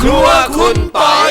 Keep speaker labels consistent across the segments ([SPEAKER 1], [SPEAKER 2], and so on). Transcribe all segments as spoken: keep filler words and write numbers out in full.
[SPEAKER 1] รัวคุณปอย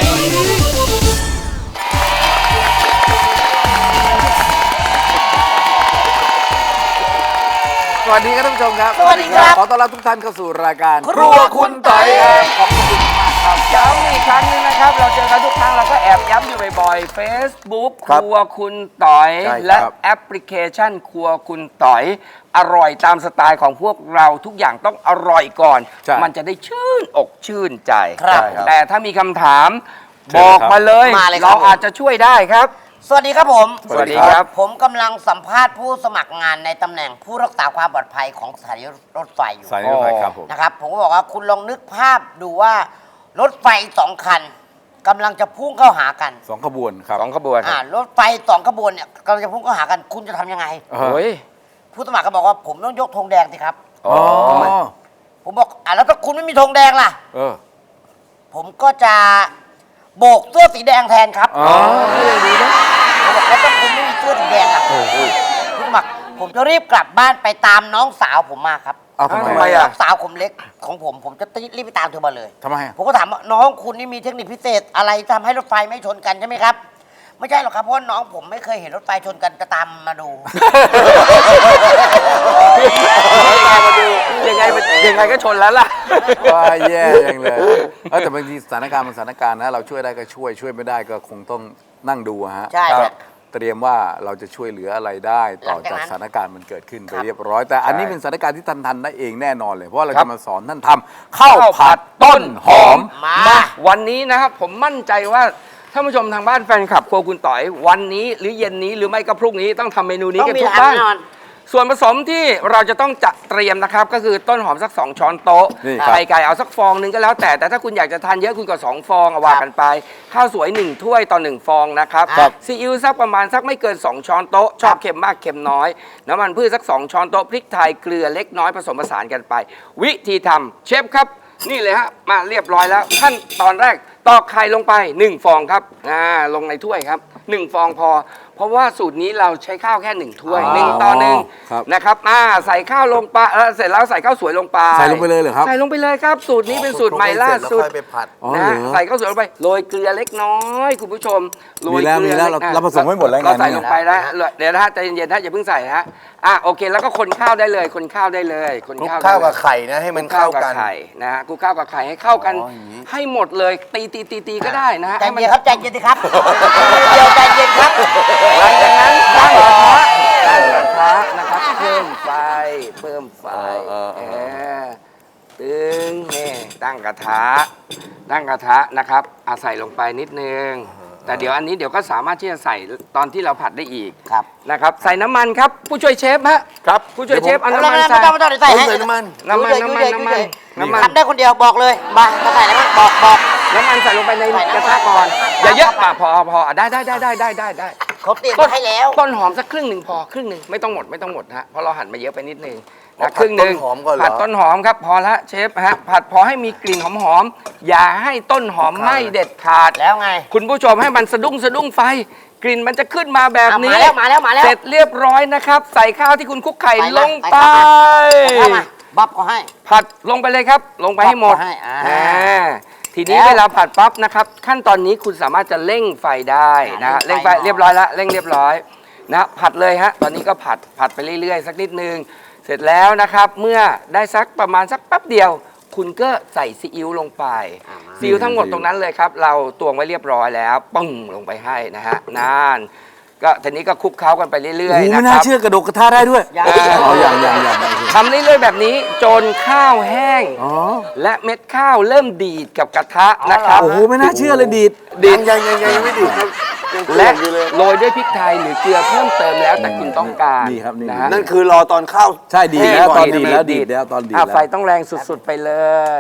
[SPEAKER 2] สวัสดีครับท่านผู้ชมครับ
[SPEAKER 3] สวัสดีครับ
[SPEAKER 2] ขอต้อนรับทุกท่านเข้าสู่รายการ
[SPEAKER 3] ครัวคุณปอย
[SPEAKER 2] ขอบคุณมากครับ
[SPEAKER 4] ย้ำอีกครั้งหนึงนะครับ เราเจอกันทุกครั้งเราก็แอบย้ำอยู่บ่อยๆ Facebook ครัวคุณต๋อย และแอปพลิเคชันครัวคุณต๋อย อร่อยตามสไตล์ของพวกเราทุกอย่างต้องอร่อยก่อน มันจะได้ชื่นอกชื่นใจ
[SPEAKER 3] ครับ
[SPEAKER 4] แต่ถ้ามีคำถามบอกมาเลย
[SPEAKER 3] มาเลยครับ
[SPEAKER 4] เราอาจจะช่วยได้ครับ
[SPEAKER 3] สวัสดีครับผม
[SPEAKER 4] สวัสดีครับ
[SPEAKER 3] ผมกำลังสัมภาษณ์ผู้สมัครงานในตำแหน่งผู้รักษาความปลอดภัยของสถานีรถไฟอยู่
[SPEAKER 2] สายนี้ไปครับผม
[SPEAKER 3] นะครับ ผมก็บอกว่าคุณลองนึกภาพดูว่ารถไฟสองคันกำลังจะพุ่งเข้าหากัน
[SPEAKER 2] สองขบวนครับ
[SPEAKER 4] สองขบวน
[SPEAKER 3] อ่ารถไฟสองขบวนเนี่ยกำลังจะพุ่งเข้าหากัน คุณจะทำยังไง
[SPEAKER 2] เอ
[SPEAKER 4] โอ้
[SPEAKER 2] อย
[SPEAKER 3] ผู้สมัครก็บอกว่าผมต้องยกธงแดงสิครับ
[SPEAKER 4] อ๋อ
[SPEAKER 2] อ๋อ
[SPEAKER 3] ผมบอกอ่ะแล้วถ้าคุณไม่มีธงแดงล่ะ
[SPEAKER 2] เออ
[SPEAKER 3] ผมก็จะโบกเสื้อสีแดงแทนครับ
[SPEAKER 2] อ๋อดีนะ
[SPEAKER 3] ผมบอกแล้วถ้าคุณไม่มีเสื้อสีแดงล่ะผู้สมัครผมจะรีบกลับบ้านไปตามน้องสาวผมมาครับ
[SPEAKER 2] เอาทำไม
[SPEAKER 4] ทำไม
[SPEAKER 2] อ่ะ
[SPEAKER 4] อะ
[SPEAKER 3] น้องสาวผมเล็กของผม ผมจะรีบไปตามเธอมาเลย
[SPEAKER 2] ทำไมอ่ะ
[SPEAKER 3] ผมก็ถามว่าน้องคุณนี่มีเทคนิคพิเศษอะไรทำให้รถไฟไม่ชนกันใช่ไหมครับ ไม่ใช่หรอกครับเพราะว่าน้องผมไม่เคยเห็นรถไฟชนกันจะตามมาดู
[SPEAKER 4] ยังไงมาดูยังไงมันยังไงก็ชนแล้วล่ะ
[SPEAKER 2] ว่าแย่ยังเลยเออแต่บางทีสถานการณ์มันสถานการณ์นะเราช่วยได้ก็ช่วยช่วยไม่ได้ก็คงต้องนั่งดูอะฮะ
[SPEAKER 3] ใช่
[SPEAKER 2] ก็
[SPEAKER 3] ครับ
[SPEAKER 2] เตรียมว่าเราจะช่วยเหลืออะไรได้ต่อ
[SPEAKER 3] หลังจาก
[SPEAKER 2] จาก
[SPEAKER 3] นั้น
[SPEAKER 2] สถานการณ์มันเกิดขึ้นไป
[SPEAKER 3] ครับ
[SPEAKER 2] เรียบร้อย แต่อันนี้
[SPEAKER 4] ใช่
[SPEAKER 2] เป็นสถานการณ์ที่ท่านทันได้เองแน่นอนเลยเพราะว่าเรา
[SPEAKER 4] ครับ
[SPEAKER 2] จะมาสอนท่านทำข้าวผัดต้นหอม
[SPEAKER 3] มา
[SPEAKER 4] มาวันนี้นะครับผมมั่นใจว่าท่านผู้ชมทางบ้านแฟนคลับครัวคุณต๋อย วันนี้หรือเย็นนี้หรือไม่ก็พรุ่งนี้ต้องทำเมนูนี้
[SPEAKER 3] ต้อง
[SPEAKER 4] กัน
[SPEAKER 3] มี
[SPEAKER 4] ทุก
[SPEAKER 3] ทาง
[SPEAKER 4] บ้าน
[SPEAKER 3] แน่นอน
[SPEAKER 4] ส่วนผสมที่เราจะต้องจัดเตรียมนะครับ ก็คือต้นหอมสัก สอง ช้อนโต๊ะ
[SPEAKER 2] นี่ครับ
[SPEAKER 4] ไข่ไก่เอาสักฟองหนึงก็แล้วแต่แต่ถ้าคุณอยากจะทานเยอะคุณก็สองฟองเอาว่ากันไป ข้าวสวยหนึ่งถ้วยต่อหนึ่งฟองนะครับ
[SPEAKER 3] ครับ
[SPEAKER 4] ซีอิ๊วสักประมาณสักไม่เกินสองช้อนโต๊ะชอบเค็มมากเค็มน้อยน้ำมันพืชสักสองช้อนโต๊ะพริกไทยเกลือเล็กน้อยผสมผสานกันไป วิธีทำเชฟครับ นี่เลยฮะมาเรียบร้อยแล้วขั้นตอนแรกตอกไข่ลงไปหนึ่งฟองครับอ่าลงในถ้วยครับหนึ่งฟองพอ เพราะว่าสูตรนี้เราใช้ข้าวแค่หนึ่งถ้วยหนึ่งต่อหนึ่ง
[SPEAKER 2] ครับ
[SPEAKER 4] นะครับอ่าใส่ข้าวลงไปแล้วเสร็จแล้วใส่ข้าวสวยลงไป
[SPEAKER 2] ใส่ลงไปเลยเหรอครับ
[SPEAKER 4] ใส่ลงไปเลยครับ สูตรนี้เป็นสูตรใหม่ล่าสุด
[SPEAKER 2] อ๋อ
[SPEAKER 4] นะ
[SPEAKER 2] เหร
[SPEAKER 4] ฮะ
[SPEAKER 2] อ
[SPEAKER 4] ใส่ข้าวสวยลงไปโรยเกลือเล็กน้อยคุณผู้ชมโรย
[SPEAKER 2] มีแล้ว
[SPEAKER 4] เกลือ
[SPEAKER 2] มีแล้ว
[SPEAKER 4] ล็ก
[SPEAKER 2] เราเราผสมไว้หมดแล้วไง
[SPEAKER 4] เราใส่
[SPEAKER 2] เนี่ย
[SPEAKER 4] ลงไปแล้วเดี๋ยวนะฮะใจเย็นๆนะอย่าเพิ่งใส่นะฮะอ่ะโอเคแล้วก็คนข้าวได้เลยคนข้าวได้เลยคน
[SPEAKER 1] คลุก
[SPEAKER 4] ข้าว
[SPEAKER 1] ข้าว
[SPEAKER 4] ได้เลย
[SPEAKER 1] กับไข่นะให้มันเข้ากัน
[SPEAKER 4] ไข่นะฮะคลุกข้าวกับไข่ให้เข้ากัน
[SPEAKER 2] อ๋ออย่างนี้
[SPEAKER 4] ให้หมดเลยตีตีตีตีก็ได้นะฮะ
[SPEAKER 3] ใจ
[SPEAKER 4] ให้มัน
[SPEAKER 3] เย็นครับใจเย็นสิครับเดี๋ยวใจเย็นครับ
[SPEAKER 4] หลังจากนั้นตั้งกระทะตั้งกระทะนะครับเพิ่มไฟเพิ่มไฟ
[SPEAKER 2] เออเออเออ
[SPEAKER 4] เออตึงนี่ตั้งกระทะตั้งกระทะนะครับอาใส่ลงไปนิดนึง แต่เดี๋ยวอันนี้เดี๋ยวก็สามารถที่จะใส่ตอนที่เราผัดได้อีก
[SPEAKER 3] ครับ
[SPEAKER 4] นะครับ ใส่น้ำมันครับ ผู้ช่วยเชฟฮะ
[SPEAKER 2] ครับ
[SPEAKER 4] ผู้ช่วยเชฟเอา
[SPEAKER 3] ไม่
[SPEAKER 4] น้ำมัน
[SPEAKER 3] ต้อง
[SPEAKER 4] ใส่
[SPEAKER 3] ไม่ต้องไม่ต้องเดี๋ยวใส่ให้
[SPEAKER 1] ใส่น้ำมัน
[SPEAKER 4] น้ำมัน
[SPEAKER 3] ยุ่
[SPEAKER 4] น้ำ
[SPEAKER 3] ย
[SPEAKER 4] มัน
[SPEAKER 3] ๆ
[SPEAKER 4] น้ำมัน
[SPEAKER 3] ยุ่ย
[SPEAKER 4] น้ำมัน
[SPEAKER 3] ๆทำได้คนเดียวบอกเลยมาจะใส่อะไรบ้างบอกบอก
[SPEAKER 4] น้ำมันใส่ลงไปใน
[SPEAKER 3] ใส่น้ำมัน
[SPEAKER 4] กระทะก่อน อย่าเยอะอ่ะพอพออ่ะได้ได้ได้ได้ได้ได้ได้
[SPEAKER 3] เขาเตรียม
[SPEAKER 4] ต้น
[SPEAKER 3] ให้แล้ว
[SPEAKER 4] ต้นหอมสักครึ่งหนึ่งพอครึ่งหนึ่งไม่ต้องหมดไม่ต้องหมดฮะเพราะเราหั่นมาเยอะไปนิดนึง
[SPEAKER 1] อ๋อ
[SPEAKER 4] นะครึ่งหนึ่ง
[SPEAKER 1] ผัดต้นหอมก่อนเหรอ
[SPEAKER 4] ผัดต้นหอมครับพอละเชฟฮะผัดพอให้มีกลิ่นหอมๆอย่าให้ต้นหอมไหม้เด็ดขาด
[SPEAKER 3] แล้วไง
[SPEAKER 4] คุณผู้ชมให้มันสะดุ้งสะดุ้งไฟ กลิ่นมันจะขึ้นมาแบบ
[SPEAKER 3] อ่ะ
[SPEAKER 4] นี้
[SPEAKER 3] มาแล้วมาแล้วมาแล้ว
[SPEAKER 4] เสร็จเรียบร้อยนะครับ ใส่ข้าวที่คุณคลุกไข่
[SPEAKER 3] ใส่มา
[SPEAKER 4] ลง
[SPEAKER 3] ใส่
[SPEAKER 4] ไป
[SPEAKER 3] เข้ามา บับก็ให้
[SPEAKER 4] ผัดลงไปเลยครับ ลงไปให้หมด
[SPEAKER 3] ให้อ่า
[SPEAKER 4] อ่าทีนี้
[SPEAKER 3] แล้ว
[SPEAKER 4] เวลาผัดปั๊บนะครับ ขั้นตอนนี้คุณสามารถจะเร่งไฟได้นะ
[SPEAKER 3] อ่าเร่
[SPEAKER 4] เร่ง
[SPEAKER 3] ง
[SPEAKER 4] ไฟ
[SPEAKER 3] ไฟ
[SPEAKER 4] เรียบร้อยแล้วเร่งเรียบร้อยนะผัดเลยฮะตอนนี้ก็ผัดผัดไปเรื่อยๆ สักนิดนึงเสร็จแล้วนะครับ เมื่อได้สักประมาณสักแป๊บเดียว คุณก็ใส่ซีอิ๊วลงไปซีอิ๊วทั้งหมดตรงนั้นเลยครับ เราตวงไว้เรียบร้อยแล้วปึ้งลงไปให้นะฮะนานก็ทีนี้ก็คลุกเคล้ากันไปเรื่อย
[SPEAKER 2] โอ้โห
[SPEAKER 4] ๆ
[SPEAKER 2] ไม่
[SPEAKER 4] นะค
[SPEAKER 2] น่า
[SPEAKER 4] รับ
[SPEAKER 2] เชื่อกระดกกระทะได้ด้วย
[SPEAKER 3] ยัง
[SPEAKER 2] อ๋ออย่างอย่างอย่าง
[SPEAKER 4] ทำเรื่อยๆแบบนี้จนข้าวแห้ง
[SPEAKER 2] อ๋อ
[SPEAKER 4] และเม็ดข้าวเริ่มดีดกับกระทะนะครับ
[SPEAKER 2] โอ้โหไม่น่าเชื่อเลยดีด
[SPEAKER 4] ดีด
[SPEAKER 1] ยังยังยังยังไม่ดีครับยังเปลี่
[SPEAKER 4] และ
[SPEAKER 1] ยนอยู่เลย
[SPEAKER 4] โรยด้วยพริกไทยหรือเกลือเพิ่มเติมแล้วแต่คุณต้องการ
[SPEAKER 2] นี่ครับนี่
[SPEAKER 4] นะฮะ
[SPEAKER 1] นั่นคือรอตอนข้าว
[SPEAKER 2] ใช่ดีดแล้ว
[SPEAKER 1] แห้ง
[SPEAKER 2] ต
[SPEAKER 1] ก่
[SPEAKER 2] อน นดีดแล้วดีดแล้วตอนดีด
[SPEAKER 4] อ่ะ
[SPEAKER 2] แล้ว
[SPEAKER 4] ไฟต้องแรงสุดๆไปเลย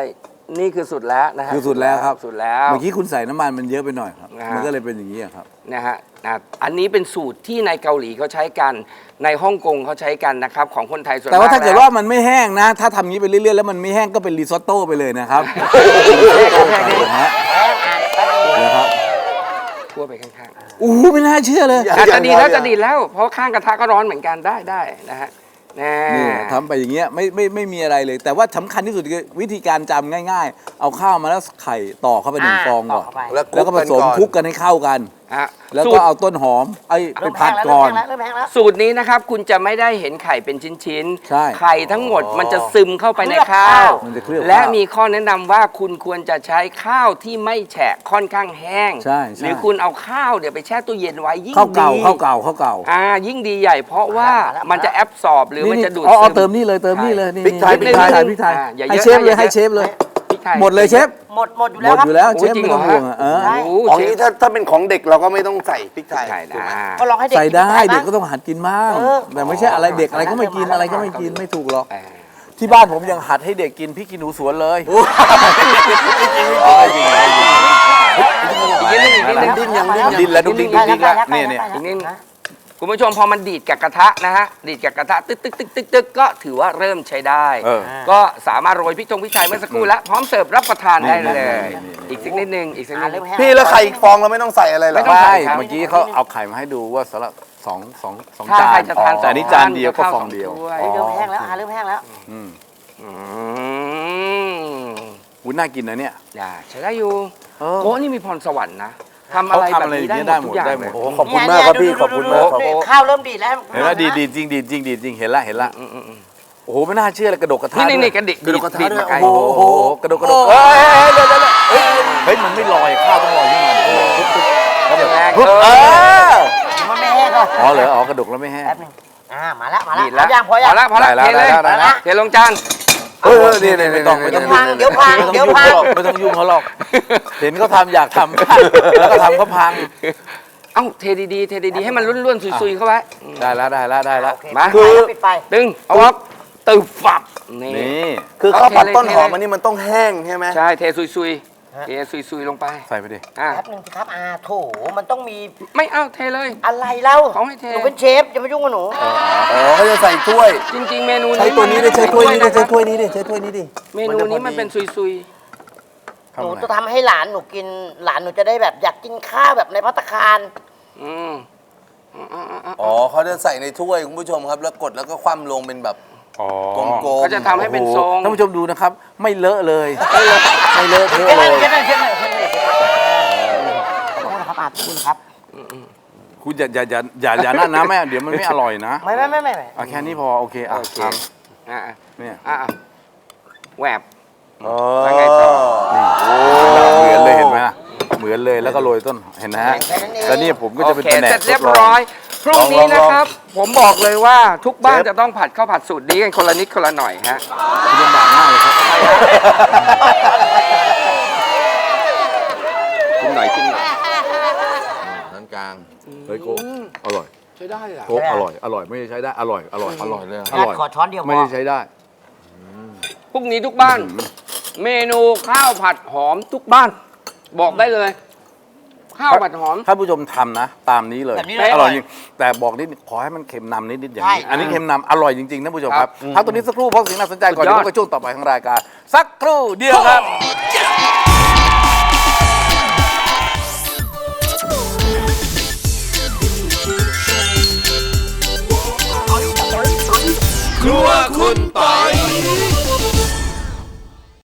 [SPEAKER 4] นี่คือสุดแล้วนะฮะ
[SPEAKER 2] คือสุดแล้วครับ
[SPEAKER 4] สุดแล้ว
[SPEAKER 2] เมื่อกี้คุณใส่น้ำมันมันเยอะไปหน่อยครับ
[SPEAKER 4] นะฮะ
[SPEAKER 2] มันก็เลยเป็นอย่างนี้อะครับ
[SPEAKER 4] นะฮะอ่ะอันนี้เป็นสูตรที่ในเกาหลีเขาใช้กันในฮ่องกงเขาใช้กันนะครับของคนไทยส่วนมาก
[SPEAKER 2] แต่ว่าถ้าเกิด
[SPEAKER 4] ล้
[SPEAKER 2] ว่ามันไม่แห้งนะ ถ้าทำงี้ไปเรื่อยๆแล้วมันไม่แห้งก็เป็นรีซอตโต้ไปเลยนะครับนะฮะนะครับ
[SPEAKER 4] ทั่วไปข้างๆ
[SPEAKER 2] โอ้โหไม่น่าเชื่อเลย
[SPEAKER 4] อาจจะดีแล้วจะดีแล้วเพราะข้างกระทะก็ร้อนเหมือนกันได้ได้นะฮะแน่
[SPEAKER 2] นี่ทำไปอย่างเงี้ยไม่ไม่ไม่มีอะไรเลย แต่ว่าสำคัญที่สุดคือวิธีการจำง่าย ๆ เอาข้าวมาแล้วไข่ต่อเข้าไปหนึ่ง
[SPEAKER 3] อ่า
[SPEAKER 2] ฟองก่อน
[SPEAKER 3] ต่อเข้าไป
[SPEAKER 2] แล้วก็ผสมคลุกกันให้เข้ากัน
[SPEAKER 4] ฮะ
[SPEAKER 2] แล้ว
[SPEAKER 4] สู
[SPEAKER 2] ก็
[SPEAKER 4] ตร
[SPEAKER 2] เอาต้นหอมไอ้ไป
[SPEAKER 3] เริ่ม
[SPEAKER 2] ผั
[SPEAKER 3] แห้
[SPEAKER 2] ด
[SPEAKER 3] งแล้ว
[SPEAKER 2] ก่อน
[SPEAKER 3] เริ่มแห้งแล้วเริ่มแห้งแล้ว
[SPEAKER 4] สูตรนี้นะครับคุณจะไม่ได้เห็นไข่เป็นชิ้น
[SPEAKER 2] ใช่
[SPEAKER 4] ไข่ทั้งหมดมันจะซึมเข้าไปในข้าว
[SPEAKER 2] มันจะเคลือบ
[SPEAKER 4] และ
[SPEAKER 2] ข้าว
[SPEAKER 4] มีข้อแนะนำว่าคุณควรจะใช้ข้าวที่ไม่แฉะค่อนข้างแห้ง
[SPEAKER 2] ใช่ใช่
[SPEAKER 4] หรือคุณเอาข้าวเดี๋ยวไปแช่ตู้เย็นไว้ยิ่ง
[SPEAKER 2] ข้าวเก่า
[SPEAKER 4] ดี
[SPEAKER 2] ข้าวเก่าข้าวเก่า
[SPEAKER 4] อ่ายิ่งดีใหญ่เพราะว่า
[SPEAKER 3] มาแล้ว
[SPEAKER 4] มันจะแอบสอบหรือมันจะดูด
[SPEAKER 2] อ๋อ
[SPEAKER 4] ซึ
[SPEAKER 2] เอา
[SPEAKER 4] ม
[SPEAKER 2] เติมนี่เลยเติมนี่เลยนี่
[SPEAKER 1] พริกไทย
[SPEAKER 2] พริกไทย
[SPEAKER 4] นิดนึง
[SPEAKER 2] พริกไทย
[SPEAKER 4] อ่าอย่า
[SPEAKER 2] ให้
[SPEAKER 4] เยอะ
[SPEAKER 2] เชฟเลย
[SPEAKER 4] นะ
[SPEAKER 2] ให้เชฟเลย
[SPEAKER 4] พริกไทย
[SPEAKER 2] หมดเลยเชฟ
[SPEAKER 3] หมดหมดอยู่
[SPEAKER 2] ห
[SPEAKER 3] แล้
[SPEAKER 2] ม
[SPEAKER 3] ว
[SPEAKER 2] ด
[SPEAKER 3] ครับ
[SPEAKER 2] อยู่แล้ว
[SPEAKER 4] โอ้
[SPEAKER 2] เชฟ
[SPEAKER 4] จริง
[SPEAKER 2] ไม่ต้อง
[SPEAKER 4] เหรอ
[SPEAKER 2] ห่วงอ่ะเออ
[SPEAKER 3] ใช่
[SPEAKER 4] โอ้
[SPEAKER 1] อ๋อ
[SPEAKER 4] เชฟ
[SPEAKER 1] นี้ถ้าถ้าเป็นของเด็กเราก็ไม่ต้องใส่พริกไทย
[SPEAKER 4] ใช่
[SPEAKER 1] ถูกไหม
[SPEAKER 4] นะ
[SPEAKER 3] ก็ลองให้เด็ก
[SPEAKER 2] ใส่ได้
[SPEAKER 3] กิน
[SPEAKER 2] เด็ก
[SPEAKER 3] บ้าง
[SPEAKER 2] ก็ต้องหัดกินบ้าง
[SPEAKER 3] เออ
[SPEAKER 2] แต่ไม่ใช่อะไรเด็กอะไรก็ไม่กิน
[SPEAKER 3] มาแล้ว
[SPEAKER 2] อะไรก็ไม่กินไม่ถูกหรอก
[SPEAKER 4] เออ
[SPEAKER 2] ที่บ้านผมยังหัดให้เด็กกินพริกขี้หนูสวนเลย
[SPEAKER 4] อีกนิดนึงอีกนิดนึง
[SPEAKER 1] ดิ้นยังดิ้นยัง
[SPEAKER 2] ดิ้นแล้วดุ๊กดิ้งดุ๊กดิ้งแล้วเนี่ยเนี่ย
[SPEAKER 4] อีกนิดนึงคุณผู้ชมพอมันดีดกับกระทะนะฮะดีดกับกระทะตึกตึกตึกตึกตึกก็ถือว่าเริ่มใช้ได้
[SPEAKER 2] เออ
[SPEAKER 4] ก็สามารถโรยพริกทงพริกไทยเมื่อสักครู่แล้วพร้อมเสิร์ฟรับประทานได้เลย
[SPEAKER 2] นี่นี่นี่
[SPEAKER 4] อีกสักนิดนึงอีกสักนิ
[SPEAKER 3] อ่า
[SPEAKER 4] ดนึ
[SPEAKER 3] เริ่
[SPEAKER 4] ง
[SPEAKER 3] มแห้ง
[SPEAKER 1] พี่แล้วไข่อีกฟองเราไม่ต้องใส่อะไรเหรอ
[SPEAKER 4] ไม่ต้อง
[SPEAKER 2] ใช่
[SPEAKER 4] ครับ
[SPEAKER 2] เมื่อกี้เขาเอาไข่มาให้ดูว่าสำหรับสองสองสอง
[SPEAKER 4] ถ้า
[SPEAKER 2] จาน
[SPEAKER 4] ใครจะทาน
[SPEAKER 2] แต่อันนี้จานเดียวก็ฟองเดียว
[SPEAKER 3] เฮ้ยเริ่มแห้งแล้วอ่าเริ่มแห้งแล้ว
[SPEAKER 2] อืม
[SPEAKER 4] อืม
[SPEAKER 2] วุ้นน่ากินนะเนี่ย
[SPEAKER 4] อย่าใช้ได้อยู่
[SPEAKER 2] เออ
[SPEAKER 4] โอ้นี่มีพรสวรรค์นะทำอะไร
[SPEAKER 2] เขา
[SPEAKER 4] แบบ
[SPEAKER 2] ทำอะไร
[SPEAKER 4] นี้
[SPEAKER 2] อย่าง
[SPEAKER 4] ได้
[SPEAKER 2] เงี้ย
[SPEAKER 4] หมดทุกอย่าง
[SPEAKER 2] ได้หมด
[SPEAKER 4] เลย
[SPEAKER 1] โอ้ขอบคุณมากครับพี่ขอบคุณมากครับ
[SPEAKER 3] นี่ข้าวเริ่มดีดแล้ว
[SPEAKER 2] เห็นแล้วดีดีจริงดีจริงดีจริงเห็นละเห็นละ
[SPEAKER 4] อืมอืมอืม
[SPEAKER 2] โอ้โหไม่น่าเชื่อเลยกระดกกระทะ
[SPEAKER 4] นี่นี่
[SPEAKER 2] ด้วย
[SPEAKER 4] นี่กระดิก
[SPEAKER 1] กระดกกระทะ
[SPEAKER 4] ดีด
[SPEAKER 1] ด้วย
[SPEAKER 4] มาไกล
[SPEAKER 2] โอ้โหโอ้โหกระดกกระดกเฮ้ยเดี๋ยวเดี๋ยวเดี๋ยวเฮ้ยเฮ้ยมันไม่ลอยข้าวต้องลอยขึ้นมาดิปุ๊บปุ๊บแล้วแบบ
[SPEAKER 4] แรง
[SPEAKER 2] ปุ๊บ
[SPEAKER 4] เอ
[SPEAKER 2] เอ
[SPEAKER 4] อ
[SPEAKER 2] อ
[SPEAKER 3] มันไม่แห้งหรอก
[SPEAKER 2] อ๋อเหรออ๋อกระดกแล้วไม่แห้ง
[SPEAKER 3] แป๊บหนึงอ่ามาแล้วมาแล้ว
[SPEAKER 4] ดีดแล้ว
[SPEAKER 3] เอายังพอยัง
[SPEAKER 4] พอแล้วพอแล้ว
[SPEAKER 2] ได้
[SPEAKER 4] เท
[SPEAKER 2] แล้ว
[SPEAKER 4] เลย
[SPEAKER 2] ได้แล้ว
[SPEAKER 4] เทลงจาน
[SPEAKER 2] เออนี่นี่ไม่ต้องไม่ต้อง
[SPEAKER 3] พังเดี๋ยวพัง
[SPEAKER 2] ไม่ต้อง
[SPEAKER 3] เดี๋ยว
[SPEAKER 2] ยุ่ง
[SPEAKER 3] พัง
[SPEAKER 2] เขาหรอกไม่ต้องยุ่งเขาหรอกเห็นเขาทำอยากทำแล้วก็ทำเขาพัง
[SPEAKER 4] เอ้าเทดีๆเทดีๆให้มันร่วนๆซุยๆเข้าไว้อืม
[SPEAKER 2] ได้แล้วได้แล้วได้แล้ว
[SPEAKER 3] โอเค
[SPEAKER 4] มา
[SPEAKER 3] ปิดไฟแล้วปิดไฟ
[SPEAKER 4] ดึงเอาออกตึบฝับนี่
[SPEAKER 2] นี่
[SPEAKER 1] คือข้าวผัด
[SPEAKER 4] เอาเทเลย
[SPEAKER 1] ต้นหอม
[SPEAKER 4] เทเลย
[SPEAKER 1] อันนี้มันต้องแห้งใช่ไหม
[SPEAKER 4] ใช่เทซุยๆเทซุยๆลงไป
[SPEAKER 2] ใส่ไปดิ
[SPEAKER 4] อ่ะ
[SPEAKER 3] แป๊บหนึงสิครับอาโถมันต้องมี
[SPEAKER 4] ไม่เอาเทเลย
[SPEAKER 3] อะไรเล่า
[SPEAKER 4] เขาให้เท
[SPEAKER 3] หนูเป็นเชฟอย่ามายุ่งกับหนู
[SPEAKER 1] อ๋อเขาจะใส่ถ้วย
[SPEAKER 4] จริงๆ เมนูนี้
[SPEAKER 1] ใช้ตัวนี้ดิใช้ถ้วยนี้ดิ
[SPEAKER 4] ะค
[SPEAKER 1] ใช้
[SPEAKER 4] รับ
[SPEAKER 1] ถ้วยนี้ดิใช้ถ้วยนี้ดิ
[SPEAKER 4] เมนูนี้มันเป็นซุย
[SPEAKER 3] หนูจะทำให้หลานหนูกินหลานหนูจะได้แบบอยากกินข้าวแบบในภัตตาคาร
[SPEAKER 4] ๆอืมอืมอืมอืมอืม
[SPEAKER 1] อ๋อเขาจะใส่ในถ้วยคุณผู้ชมครับแล้วกดแล้วก็คว่ำลงเป็นแบบ
[SPEAKER 2] อ๋อ
[SPEAKER 1] กลมๆ
[SPEAKER 4] เขาจะทำให้เป็นทรง
[SPEAKER 2] ท่านผู้ชมดูนะครับ ไม่เลอะเลยไม่เลอะเทอะ
[SPEAKER 3] เช่น
[SPEAKER 2] เล
[SPEAKER 3] นั้น
[SPEAKER 2] ย
[SPEAKER 3] เช่นนั้นเช่นนั้นเช่นนั้นขอโทษนะครับอาขอบคุณครับ
[SPEAKER 2] คุณอย่าอย่าอย่าอย่าอย่านั่นนะแม่เดี๋ยวมันไม่อร่อยนะ
[SPEAKER 3] ไม่ไม่ไม่ไม่ไม่
[SPEAKER 2] เอาแค่นี้พอโอเคอ่ะ
[SPEAKER 4] โอเค
[SPEAKER 2] ท
[SPEAKER 4] อ่ะ
[SPEAKER 2] ำเนี่ย
[SPEAKER 4] อ่ะอ่ะแหวบ
[SPEAKER 1] อ๋อ
[SPEAKER 4] แล้วไงต่อ
[SPEAKER 2] เหมือนเลยเห็นไหมล่ะเหมือนเลยแล้วก็โรยต้นเห็นนะฮะแล้วนี่ผมก็จะเป็น
[SPEAKER 4] โอเค
[SPEAKER 2] แผนก
[SPEAKER 4] เสร็จเรียบ
[SPEAKER 2] ทดลง
[SPEAKER 4] ร้อย พรุ่งนี้
[SPEAKER 1] ลองๆ
[SPEAKER 4] นะครับ ผมบอกเลยว่าทุกบ้าน
[SPEAKER 1] เชฟ
[SPEAKER 4] จะต้องผัดข้าวผัดสูตรนี้กันคนละนิดคนละหน่อยฮะ
[SPEAKER 2] ลำบากมากเลยครับ
[SPEAKER 4] กินหน่อยกินหน่อย
[SPEAKER 1] นั้นกลาง
[SPEAKER 2] เฮ้ยโกอร่อย
[SPEAKER 4] ใช้ได้เหรอ
[SPEAKER 2] โกอร่อยอร่อยไม่ได้ใช้ได้อร่อยอร่อย
[SPEAKER 1] อร่อยเลย
[SPEAKER 2] อ
[SPEAKER 3] ญา
[SPEAKER 2] ร่อย
[SPEAKER 3] ติขอช้อนเดียวพ
[SPEAKER 2] ไม่
[SPEAKER 3] อ
[SPEAKER 2] ได้ใช้ได้
[SPEAKER 4] พรุ่งนี้ทุกบ้าน เมนูข้าวผัดหอมทุกบ้าน บอกได้เลย ข้าวผัดหอม
[SPEAKER 2] ถ้าผู้ชมทำนะ ตามนี้เลย
[SPEAKER 3] แบบนี้เลย
[SPEAKER 2] อร่อยจริงแต่บอกนิดขอให้มันเค็มนำนิดๆอย่างนี้
[SPEAKER 3] ใช่
[SPEAKER 2] อันนี้เค็มนำอร่อยจริงๆนะผู้ชมครับ
[SPEAKER 4] ครับ
[SPEAKER 2] พักตัวนี้สักครู่เพราะสิ่งน่าสนใจก่อน
[SPEAKER 4] สุดย
[SPEAKER 2] เดี๋
[SPEAKER 4] อด
[SPEAKER 2] ยวพบกับช่วงต่อไปของรายการสักครู่เดียวครับ